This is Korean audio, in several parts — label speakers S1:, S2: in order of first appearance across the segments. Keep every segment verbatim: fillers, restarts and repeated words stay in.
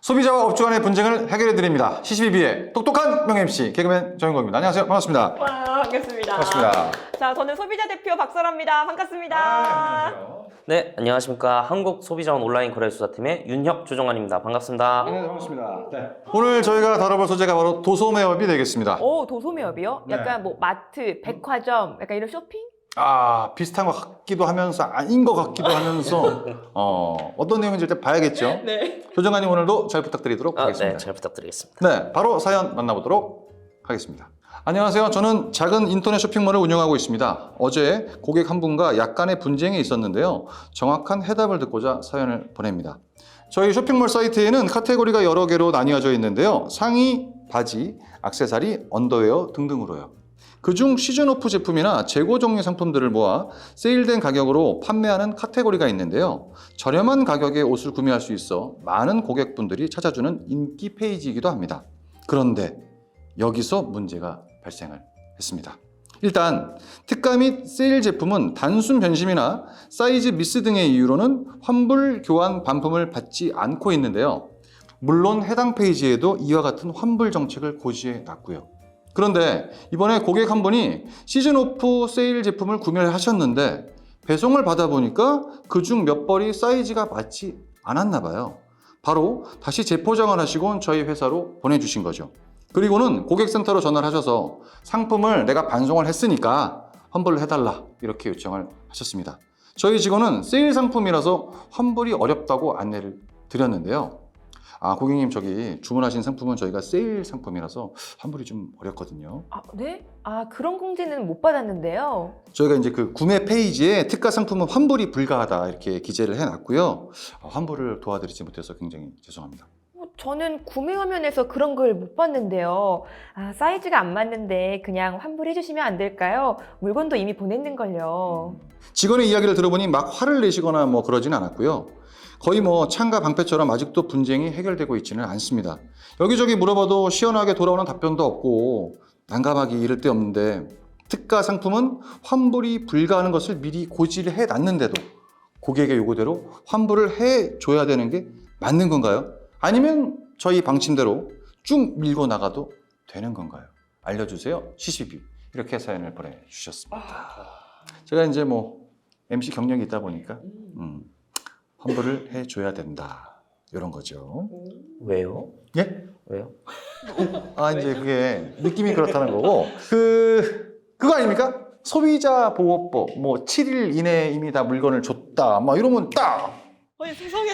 S1: 소비자와 업주 간의 분쟁을 해결해드립니다. 씨씨비비의 똑똑한 명 엠씨 개그맨 정인국입니다. 안녕하세요. 반갑습니다.
S2: 와, 반갑습니다.
S1: 반갑습니다.
S2: 자, 저는 소비자 대표 박설아입니다. 반갑습니다.
S1: 아, 안녕하세요.
S3: 네, 안녕하십니까. 한국소비자원 온라인 거래수사팀의 윤혁 조정환입니다. 반갑습니다.
S1: 네, 반갑습니다. 네. 오늘 저희가 다뤄볼 소재가 바로 도소매업이 되겠습니다.
S2: 오, 도소매업이요?
S1: 네.
S2: 약간 뭐 마트, 백화점, 약간 이런 쇼핑?
S1: 아, 비슷한 것 같기도 하면서 아닌 것 같기도 하면서 어, 어떤 내용인지 일단 봐야겠죠.
S2: 네.
S1: 조정관님 오늘도 잘 부탁드리도록
S3: 아,
S1: 하겠습니다.
S3: 네, 잘 부탁드리겠습니다.
S1: 네, 바로 사연 만나보도록 하겠습니다. 안녕하세요. 저는 작은 인터넷 쇼핑몰을 운영하고 있습니다. 어제 고객 한 분과 약간의 분쟁이 있었는데요. 정확한 해답을 듣고자 사연을 보냅니다. 저희 쇼핑몰 사이트에는 카테고리가 여러 개로 나뉘어져 있는데요. 상의, 바지, 액세서리, 언더웨어 등등으로요. 그중 시즌 오프 제품이나 재고 종류 상품들을 모아 세일된 가격으로 판매하는 카테고리가 있는데요. 저렴한 가격에 옷을 구매할 수 있어 많은 고객분들이 찾아주는 인기 페이지이기도 합니다. 그런데 여기서 문제가 발생을 했습니다. 일단 특가 및 세일 제품은 단순 변심이나 사이즈 미스 등의 이유로는 환불 교환 반품을 받지 않고 있는데요. 물론 해당 페이지에도 이와 같은 환불 정책을 고지해 놨고요. 그런데 이번에 고객 한 분이 시즌 오프 세일 제품을 구매를 하셨는데 배송을 받아보니까 그중 몇 벌이 사이즈가 맞지 않았나 봐요. 바로 다시 재포장을 하시고 저희 회사로 보내주신 거죠. 그리고는 고객센터로 전화를 하셔서 상품을 내가 반송을 했으니까 환불을 해달라 이렇게 요청을 하셨습니다. 저희 직원은 세일 상품이라서 환불이 어렵다고 안내를 드렸는데요. 아, 고객님 저기 주문하신 상품은 저희가 세일 상품이라서 환불이 좀 어렵거든요.
S2: 아, 네? 아, 그런 공지는 못 받았는데요.
S1: 저희가 이제 그 구매 페이지에 특가 상품은 환불이 불가하다 이렇게 기재를 해놨고요. 아, 환불을 도와드리지 못해서 굉장히 죄송합니다.
S2: 어, 저는 구매 화면에서 그런 걸 못 봤는데요. 아, 사이즈가 안 맞는데 그냥 환불해 주시면 안 될까요? 물건도 이미 보냈는걸요.
S1: 직원의 이야기를 들어보니 막 화를 내시거나 뭐 그러진 않았고요. 거의 뭐 창과 방패처럼 아직도 분쟁이 해결되고 있지는 않습니다. 여기저기 물어봐도 시원하게 돌아오는 답변도 없고 난감하기 이를 데 없는데 특가 상품은 환불이 불가하는 것을 미리 고지를 해놨는데도 고객의 요구대로 환불을 해줘야 되는 게 맞는 건가요? 아니면 저희 방침대로 쭉 밀고 나가도 되는 건가요? 알려주세요. 씨씨비 이렇게 사연을 보내주셨습니다. 제가 이제 뭐 엠씨 경력이 있다 보니까 음, 환불을 해줘야 된다 이런 거죠.
S3: 왜요?
S1: 예?
S3: 왜요?
S1: 아 이제 그게 느낌이 그렇다는 거고 그 그거 아닙니까? 소비자 보호법 뭐 칠 일 이내에 이미 다 물건을 줬다 막 이러면 딱
S2: 아니, 세상에.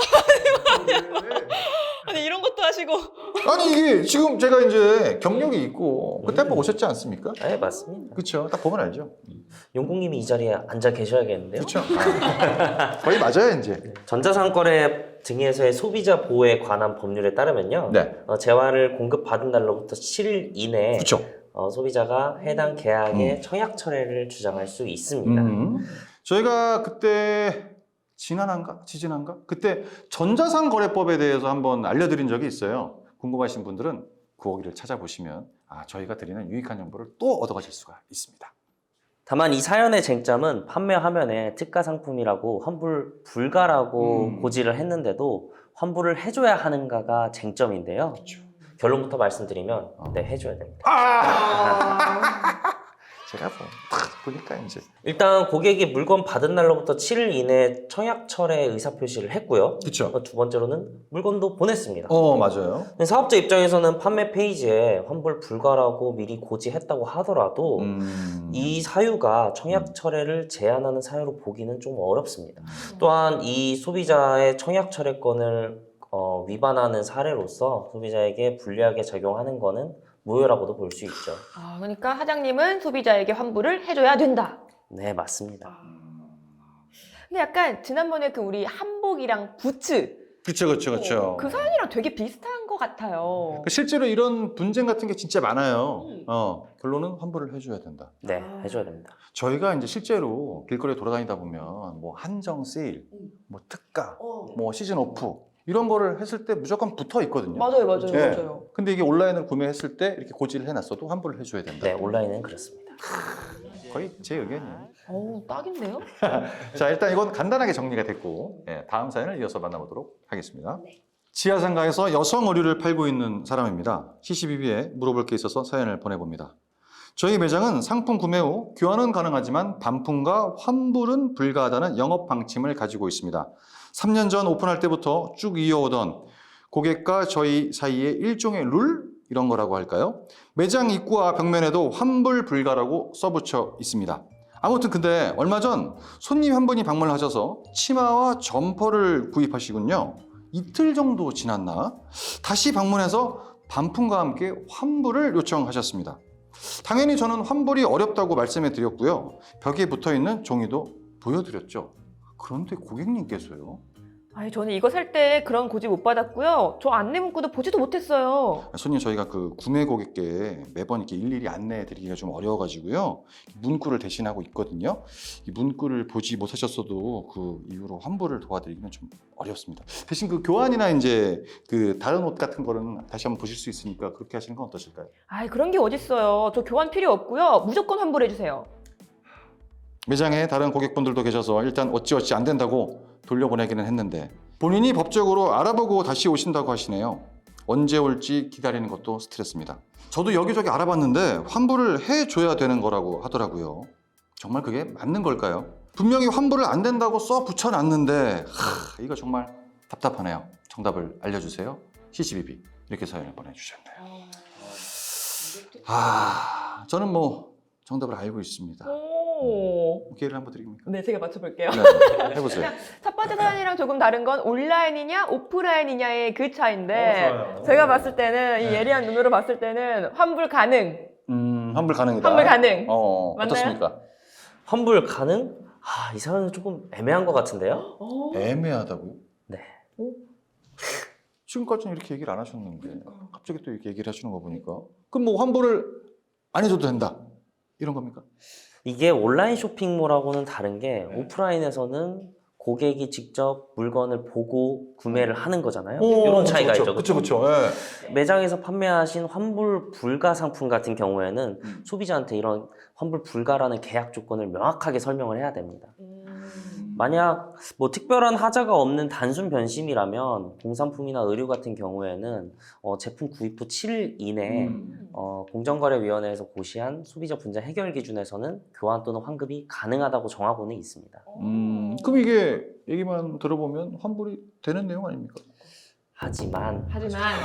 S2: 아니, 이런 것도 하시고.
S1: 아니 이게 지금 제가 이제 경력이 있고 그때 한번 오셨지 않습니까?
S3: 네, 맞습니다.
S1: 그렇죠. 딱 보면 알죠.
S3: 용국님이 이 자리에 앉아 계셔야겠는데요?
S1: 그렇죠. 아, 거의 맞아요 이제.
S3: 전자상거래 등에서의 소비자 보호에 관한 법률에 따르면요.
S1: 네.
S3: 어, 재화를 공급받은 날로부터 칠 일 이내에
S1: 그렇죠.
S3: 어, 소비자가 해당 계약의
S1: 음.
S3: 청약 철회를 주장할 수 있습니다.
S1: 음. 저희가 그때 지난한가? 지지난가? 그때 전자상거래법에 대해서 한번 알려드린 적이 있어요. 궁금하신 분들은 그 거기를 찾아보시면 아, 저희가 드리는 유익한 정보를 또 얻어가실 수가 있습니다.
S3: 다만 이 사연의 쟁점은 판매 화면에 특가 상품이라고 환불 불가라고
S1: 음.
S3: 고지를 했는데도 환불을 해줘야 하는가가 쟁점인데요.
S1: 그렇죠.
S3: 결론부터 말씀드리면
S1: 어.
S3: 네, 해줘야 됩니다.
S1: 아! 제가 뭐, 딱 보니까 이제.
S3: 일단 고객이 물건 받은 날로부터 칠 일 이내에 청약 철회 의사표시를 했고요.
S1: 그렇죠.
S3: 두 번째로는 물건도 보냈습니다.
S1: 어, 맞아요.
S3: 근데 사업자 입장에서는 판매 페이지에 환불 불가라고 미리 고지했다고 하더라도
S1: 음.
S3: 이 사유가 청약 철회를 제한하는 사유로 보기는 좀 어렵습니다. 또한 이 소비자의 청약 철회권을 어, 위반하는 사례로서 소비자에게 불리하게 작용하는 것은 무효라고도 볼 수 있죠.
S2: 아, 그러니까 사장님은 소비자에게 환불을 해줘야 된다.
S3: 네, 맞습니다.
S2: 근데 약간 지난번에 그 우리 한복이랑 부츠
S1: 그렇죠, 그렇죠, 그렇죠.
S2: 그 사연이랑 되게 비슷한 것 같아요.
S1: 실제로 이런 분쟁 같은 게 진짜 많아요.
S2: 음.
S1: 어, 결론은 환불을 해줘야 된다.
S3: 네,
S2: 아.
S3: 해줘야 됩니다.
S1: 저희가 이제 실제로 길거리에 돌아다니다 보면 뭐 한정 세일,
S2: 음.
S1: 뭐 특가,
S2: 어.
S1: 뭐 시즌 오프 이런 거를 했을 때 무조건 붙어 있거든요.
S2: 맞아요, 맞아요,
S1: 예.
S2: 맞아요.
S1: 근데 이게 온라인을 구매했을 때 이렇게 고지를 해놨어도 환불을 해줘야 된다.
S3: 네, 온라인은 그렇습니다.
S1: 거의 제 의견이에요.
S2: 어우, 딱인데요?
S1: 자, 일단 이건 간단하게 정리가 됐고 예, 다음 사연을 이어서 만나보도록 하겠습니다.
S2: 네.
S1: 지하상가에서 여성 의류를 팔고 있는 사람입니다. 씨씨비비에 물어볼 게 있어서 사연을 보내봅니다. 저희 매장은 상품 구매 후 교환은 가능하지만 반품과 환불은 불가하다는 영업 방침을 가지고 있습니다. 삼 년 전 오픈할 때부터 쭉 이어오던 고객과 저희 사이의 일종의 룰? 이런 거라고 할까요? 매장 입구와 벽면에도 환불 불가라고 써붙여 있습니다. 아무튼 근데 얼마 전 손님 한 분이 방문을 하셔서 치마와 점퍼를 구입하시군요. 이틀 정도 지났나? 다시 방문해서 반품과 함께 환불을 요청하셨습니다. 당연히 저는 환불이 어렵다고 말씀해 드렸고요. 벽에 붙어 있는 종이도 보여드렸죠. 그런데 고객님께서요.
S2: 아니, 저는 이거 살 때 그런 고지 못 받았고요. 저 안내 문구도 보지도 못했어요.
S1: 손님 저희가 그 구매 고객께 매번 이렇게 일일이 안내해 드리기가 좀 어려워가지고요. 문구를 대신하고 있거든요. 이 문구를 보지 못하셨어도 그 이후로 환불을 도와드리기는 좀 어렵습니다. 대신 그 교환이나 이제 그 다른 옷 같은 거는 다시 한번 보실 수 있으니까 그렇게 하시는 건 어떠실까요?
S2: 아이, 그런 게 어딨어요. 저 교환 필요 없고요. 무조건 환불해주세요.
S1: 매장에 다른 고객분들도 계셔서 일단 어찌어찌 안 된다고 돌려보내기는 했는데 본인이 법적으로 알아보고 다시 오신다고 하시네요. 언제 올지 기다리는 것도 스트레스입니다. 저도 여기저기 알아봤는데 환불을 해줘야 되는 거라고 하더라고요. 정말 그게 맞는 걸까요? 분명히 환불을 안 된다고 써 붙여놨는데 하, 이거 정말 답답하네요. 정답을 알려주세요. 씨씨비비 이렇게 사연을 보내주셨네요. 아, 저는 뭐 정답을 알고 있습니다.
S2: 오.
S1: 기회를 한번 드립니까?
S2: 네, 제가 맞춰볼게요.
S1: 네, 해보세요.
S2: 첫 번째 사연이랑 조금 다른 건 온라인이냐 오프라인이냐의 그 차이인데
S1: 어, 좋아요.
S2: 제가 봤을 때는 이
S1: 네.
S2: 예리한 눈으로 봤을 때는 환불 가능.
S1: 음, 환불 가능이다.
S2: 환불 가능.
S1: 어,
S2: 맞나요?
S1: 어떻습니까?
S3: 환불 가능? 아, 이 사연은 조금 애매한 것 같은데요?
S2: 어.
S1: 애매하다고요?
S3: 네.
S1: 지금까지는 이렇게 얘기를 안 하셨는데 갑자기 또 이렇게 얘기를 하시는 거 보니까 그럼 뭐 환불을 안 해줘도 된다 이런 겁니까?
S3: 이게 온라인 쇼핑몰하고는 다른 게
S1: 네.
S3: 오프라인에서는 고객이 직접 물건을 보고 구매를 하는 거잖아요. 이런 차이가 있죠.
S1: 그렇죠, 그렇죠. 예.
S3: 매장에서 판매하신 환불 불가 상품 같은 경우에는
S1: 음.
S3: 소비자한테 이런 환불 불가라는 계약 조건을 명확하게 설명을 해야 됩니다.
S2: 음.
S3: 만약 뭐 특별한 하자가 없는 단순 변심이라면 공산품이나 의류 같은 경우에는 어, 제품 구입 후 칠 일 이내에
S1: 음.
S3: 어, 공정거래위원회에서 고시한 소비자 분쟁 해결 기준에서는 교환 또는 환급이 가능하다고 정하고는 있습니다.
S1: 음, 그럼 이게 얘기만 들어보면 환불이 되는 내용 아닙니까?
S3: 하지만
S2: 하지만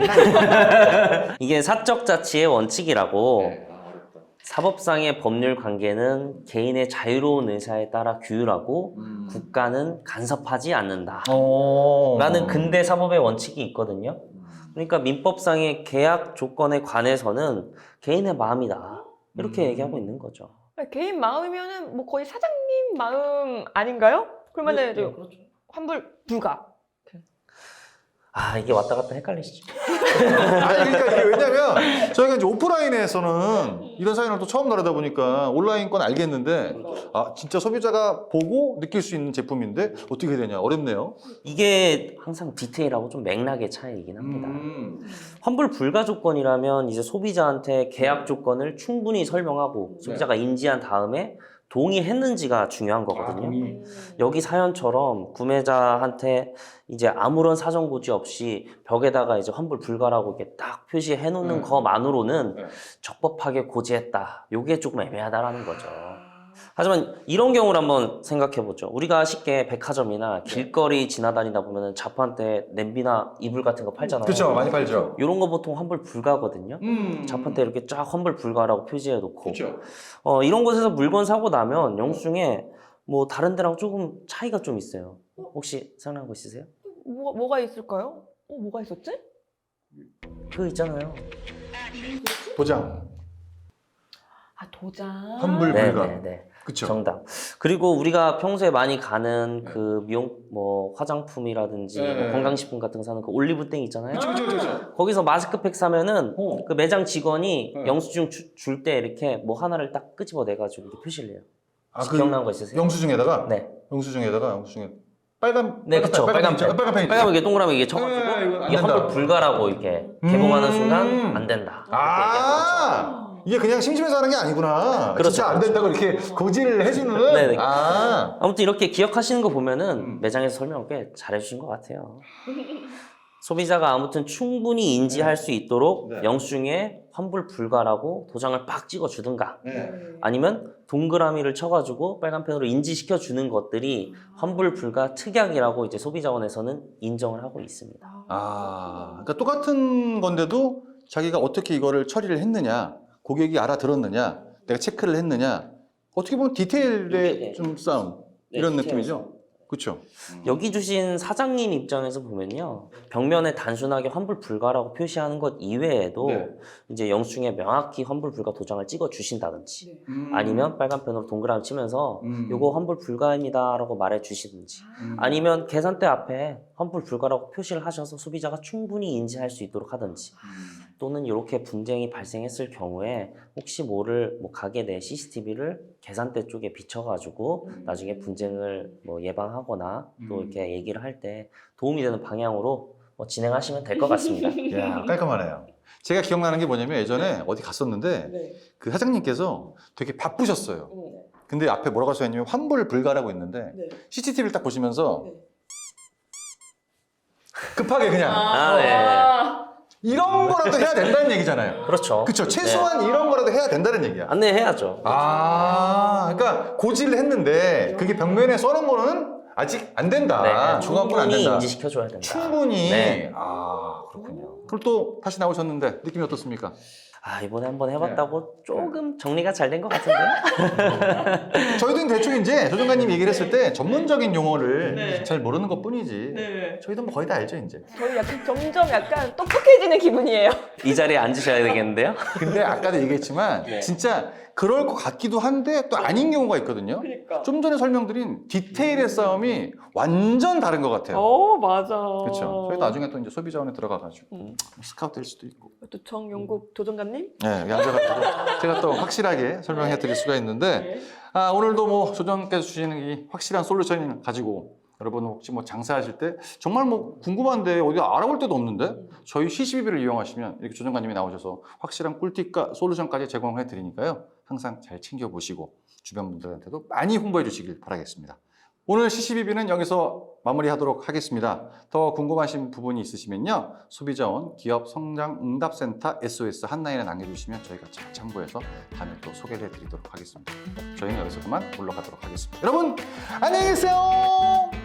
S3: 네. 이게 사적 자치의 원칙이라고
S1: 네.
S3: 사법상의 법률 관계는 개인의 자유로운 의사에 따라 규율하고
S1: 음.
S3: 국가는 간섭하지 않는다.
S1: 어.
S3: 라는 근대 사법의 원칙이 있거든요. 그러니까 민법상의 계약 조건에 관해서는 개인의 마음이다. 이렇게
S1: 음.
S3: 얘기하고 있는 거죠.
S2: 개인 마음이면은 뭐 거의 사장님 마음 아닌가요? 그러면은 저
S3: 그렇죠.
S2: 환불 불가.
S3: 아, 이게 왔다 갔다 헷갈리시죠?
S1: 아니 그러니까 이게 왜냐면 저희가 이제 오프라인에서는 이런 사연을 또 처음 다루다 보니까 온라인 건 알겠는데 아 진짜 소비자가 보고 느낄 수 있는 제품인데 어떻게 해야 되냐 어렵네요.
S3: 이게 항상 디테일하고 좀 맥락의 차이이긴 합니다.
S1: 음.
S3: 환불 불가 조건이라면 이제 소비자한테 계약 조건을 충분히 설명하고 소비자가 인지한 다음에 동의했는지가 중요한 거거든요.
S1: 동의.
S3: 여기 사연처럼 구매자한테 이제 아무런 사전 고지 없이 벽에다가 이제 환불 불가라고 이렇게 딱 표시해 놓는
S1: 네.
S3: 것만으로는
S1: 네.
S3: 적법하게 고지했다. 요게 조금 애매하다라는 거죠. 하지만 이런 경우를 한번 생각해 보죠. 우리가 쉽게 백화점이나 길거리 지나다니다 보면 자판대 냄비나 이불 같은 거 팔잖아요.
S1: 그렇죠 많이 팔죠.
S3: 이런 거 보통 환불 불가거든요.
S1: 음.
S3: 자판대 이렇게 쫙 환불 불가라고 표시해 놓고
S1: 그렇죠.
S3: 어, 이런 곳에서 물건 사고 나면 영수증에 뭐 다른 데랑 조금 차이가 좀 있어요. 혹시 생각나는 거 있으세요?
S2: 뭐 뭐가 있을까요? 어, 뭐가 있었지?
S3: 그거 있잖아요.
S1: 도장
S2: 아, 도장.
S1: 환불
S3: 네,
S1: 불가.
S3: 네, 네.
S1: 그렇죠.
S3: 정답. 그리고 우리가 평소에 많이 가는 그 미용 뭐 화장품이라든지
S1: 네.
S3: 뭐 건강식품 같은 거 사는 그 올리브땡 있잖아요.
S1: 그렇죠 그렇죠.
S3: 거기서 마스크팩 사면은
S1: 어.
S3: 그 매장 직원이
S1: 네.
S3: 영수증 줄 때 이렇게 뭐 하나를 딱 끄집어 내 가지고 이렇게 표시를 해요.
S1: 아,
S3: 혹시 기억나는 거 있으세요?
S1: 영수증에다가
S3: 네.
S1: 영수증에다가 영수증에 빨간
S3: 네, 그쵸. 빨간
S1: 펜,
S3: 펜.
S1: 빨간 펜
S3: 빨간 이게 동그라미 이게 쳐가지고
S1: 네, 이거 안
S3: 이게
S1: 된다.
S3: 환불 불가라고 이렇게 개봉하는
S1: 음.
S3: 순간 안 된다.
S1: 아 이게 그냥 심심해서 하는 게 아니구나.
S3: 그렇죠,
S1: 진짜 안 된다고 이렇게 고지를 해주는.
S3: 네네.
S1: 아
S3: 아무튼 이렇게 기억하시는 거 보면은
S1: 음.
S3: 매장에서 설명을 꽤 잘해주신 것 같아요. 소비자가 아무튼 충분히 인지할 수 있도록
S1: 네.
S3: 영수증에 환불 불가라고 도장을 빡 찍어 주든가
S1: 네.
S3: 아니면 동그라미를 쳐가지고 빨간 펜으로 인지시켜 주는 것들이 환불 불가 특약이라고 이제 소비자원에서는 인정을 하고 있습니다.
S1: 아, 그러니까 똑같은 건데도 자기가 어떻게 이거를 처리를 했느냐, 고객이 알아들었느냐, 내가 체크를 했느냐, 어떻게 보면 디테일의
S3: 네.
S1: 좀 싸움
S3: 네,
S1: 이런
S3: 디테일의
S1: 느낌이죠. 그렇죠.
S3: 여기 주신 사장님 입장에서 보면요. 벽면에 단순하게 환불 불가라고 표시하는 것 이외에도
S1: 네.
S3: 이제 영수증에 명확히 환불 불가 도장을 찍어 주신다든지
S2: 네.
S3: 아니면 빨간 펜으로 동그라미 치면서
S1: 음.
S3: 요거 환불 불가입니다라고 말해 주시든지
S1: 음.
S3: 아니면 계산대 앞에 환불 불가라고 표시를 하셔서 소비자가 충분히 인지할 수 있도록 하든지
S1: 음.
S3: 또는 이렇게 분쟁이 발생했을 경우에 혹시 모를 뭐 가게 내 씨씨티비를 계산대 쪽에 비춰가지고
S2: 음.
S3: 나중에 분쟁을 뭐 예방하거나 또
S1: 음.
S3: 이렇게 얘기를 할 때 도움이 되는 방향으로 뭐 진행하시면 될 것 같습니다.
S1: 야, 깔끔하네요. 제가 기억나는 게 뭐냐면 예전에 어디 갔었는데
S2: 네.
S1: 그 사장님께서 되게 바쁘셨어요.
S2: 네.
S1: 근데 앞에 뭐라고 써있냐면 환불 불가라고 있는데
S2: 네.
S1: 씨씨티비를 딱 보시면서
S2: 네.
S1: 급하게 그냥
S3: 아, 네.
S2: 아.
S1: 이런 거라도 해야 된다는 얘기잖아요.
S3: 그렇죠.
S1: 그렇죠. 최소한 이런 거라도 해야 된다는 얘기야.
S3: 안내해야죠.
S1: 아, 그러니까 고지를 했는데 그게 벽면에 써놓은 거는 아직 안 된다.
S3: 네,
S1: 중앙부는 안
S3: 충분히
S1: 된다.
S3: 인지시켜줘야 된다.
S1: 충분히.
S3: 네.
S1: 아, 그렇군요. 그럼 또 다시 나오셨는데 느낌이 어떻습니까?
S3: 아 이번에 한번 해봤다고
S1: 네.
S3: 조금 정리가 잘 된 것 같은데요?
S1: 저희도 대충 이제 조정관님 얘기를 했을 때 전문적인 용어를
S2: 네.
S1: 잘 모르는 것 뿐이지.
S2: 네.
S1: 저희도 뭐 거의 다 알죠, 이제.
S2: 저희 약간 점점 약간 똑똑해지는 기분이에요.
S3: 이 자리에 앉으셔야 되겠는데요?
S1: 근데 아까도 얘기했지만
S3: 네.
S1: 진짜 그럴 것 같기도 한데 또 아닌 경우가 있거든요.
S2: 그러니까.
S1: 좀 전에 설명드린 디테일의 싸움이 완전 다른 것 같아요.
S2: 어, 맞아.
S1: 그렇죠. 저희 나중에 또 이제 소비자원에 들어가가지고
S2: 음.
S1: 스카우트 될 수도 있고.
S2: 또 정용국 조정관님?
S1: 네, 여기 앉아가지고 제가 또 확실하게 설명해 드릴 수가 있는데,
S2: 네.
S1: 아, 오늘도 뭐 조정께서 주시는 이 확실한 솔루션을 가지고 여러분 혹시 뭐 장사하실 때 정말 뭐 궁금한데 어디 알아볼 데도 없는데 저희 씨씨비비를 이용하시면 이렇게 조정관님이 나오셔서 확실한 꿀팁과 솔루션까지 제공해 드리니까요. 항상 잘 챙겨보시고 주변 분들한테도 많이 홍보해 주시길 바라겠습니다. 오늘 씨씨비비는 여기서 마무리하도록 하겠습니다. 더 궁금하신 부분이 있으시면요. 소비자원 기업성장응답센터 에스오에스 한라인에 남겨주시면 저희가 잘 참고해서 다음에 또 소개해 드리도록 하겠습니다. 저희는 여기서 그만 물러가도록 하겠습니다. 여러분 안녕히 계세요.